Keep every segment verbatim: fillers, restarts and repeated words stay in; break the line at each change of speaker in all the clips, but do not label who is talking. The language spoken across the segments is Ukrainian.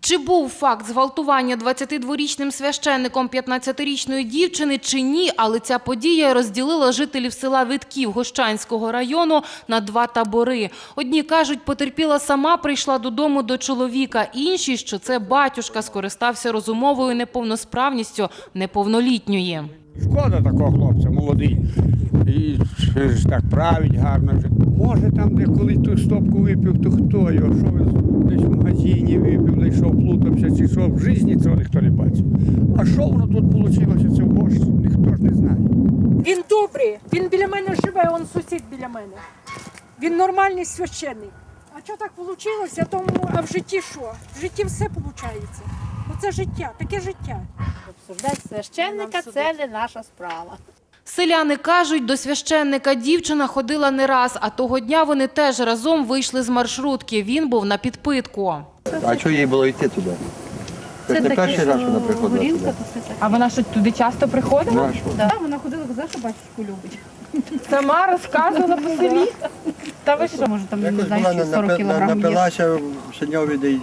Чи був факт зґвалтування двадцятидворічним священником п'ятнадцятирічної дівчини чи ні, але ця подія розділила жителів села Витків Гощанського району на два табори. Одні кажуть, потерпіла сама прийшла додому до чоловіка, інші, що це батюшка скористався розумовою неповносправністю неповнолітньої.
Шкода такого хлопця, молодий. І ж так править гарно. Може там, де коли ту стопку випив, то хто його, що він десь в магазині випив, десь що плутався, чи що, в житті цього ніхто не бачив. А що воно тут вийшло, це в Гощі, ніхто ж не знає.
Він добрий, він біля мене живе, він сусід біля мене. Він нормальний священник. А що так вийшло, тому, а в житті що? В житті все виходить. Оце життя, таке життя.
Обсуждати священника – це не наша справа.
Селяни кажуть, до священника дівчина ходила не раз, а того дня вони теж разом вийшли з маршрутки. Він був на підпитку.
А чого їй було йти туди? Це не перший раз вона приходила туди.
А вона що, туди часто приходила?
Ну, а що?
Так, вона ходила, казала, що батюшку любить. Сама розказувала по селі? Та ви що, може там, не
Якось
знаю,
була
чи сорок
напи-
кілограм є?
напилася в Синьові, де й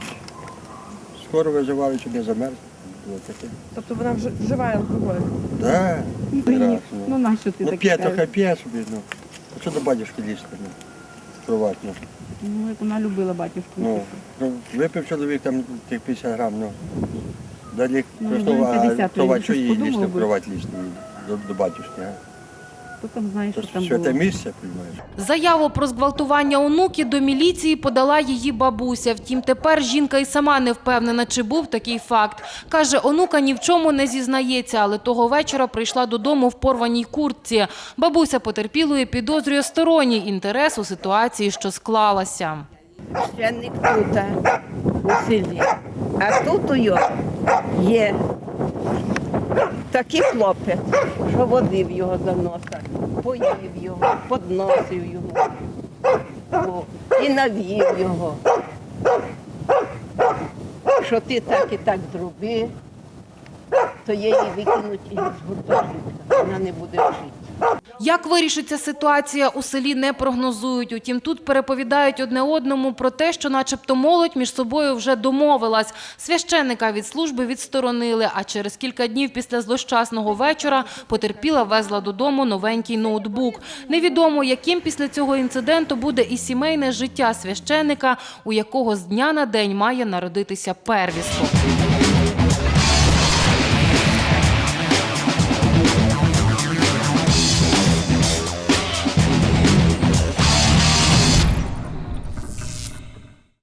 скоро визивали, щоб не замерз. Було таке.
Тобто вона вживає алкоголь?
Да,
Ні.
раз,
Ну,
ну.
нащо ти
Ну,
таке
п'є,
кажеш?
то хай п'є собі, ну. А що до батюшки лізти, ну, приватно?
Ну, як вона любила батюшку.
Ну, ну, випив чоловік там тих п'ятдесят грам, ну. Далі
Ну,
просто,
ну,
а
п'ятдесят,
то
він
що їй
щось
лізти в
подумав би.
кровать лізти до, до батюшки, а?
Хто там знає,
То
що там
святе
було?
місце, розумієш?
Заяву про зґвалтування онуки до міліції подала її бабуся. Втім, тепер жінка і сама не впевнена, чи був такий факт. Каже, онука ні в чому не зізнається, але того вечора прийшла додому в порваній куртці. Бабуся потерпілої підозрює сторонній інтерес у ситуації, що склалася.
Священник тут, у селі. А тут у його є такий хлопець, що водив його за носа, поїв його, подносив його о, і навів його. Що ти так і так зроби, то її викинуть із гуртожитка, вона не буде жити.
Як вирішиться ситуація, у селі не прогнозують. Утім, тут переповідають одне одному про те, що начебто молодь між собою вже домовилась. Священника від служби відсторонили, а через кілька днів після злощасного вечора потерпіла везла додому новенький ноутбук. Невідомо, яким після цього інциденту буде і сімейне життя священника, у якого з дня на день має народитися первісток.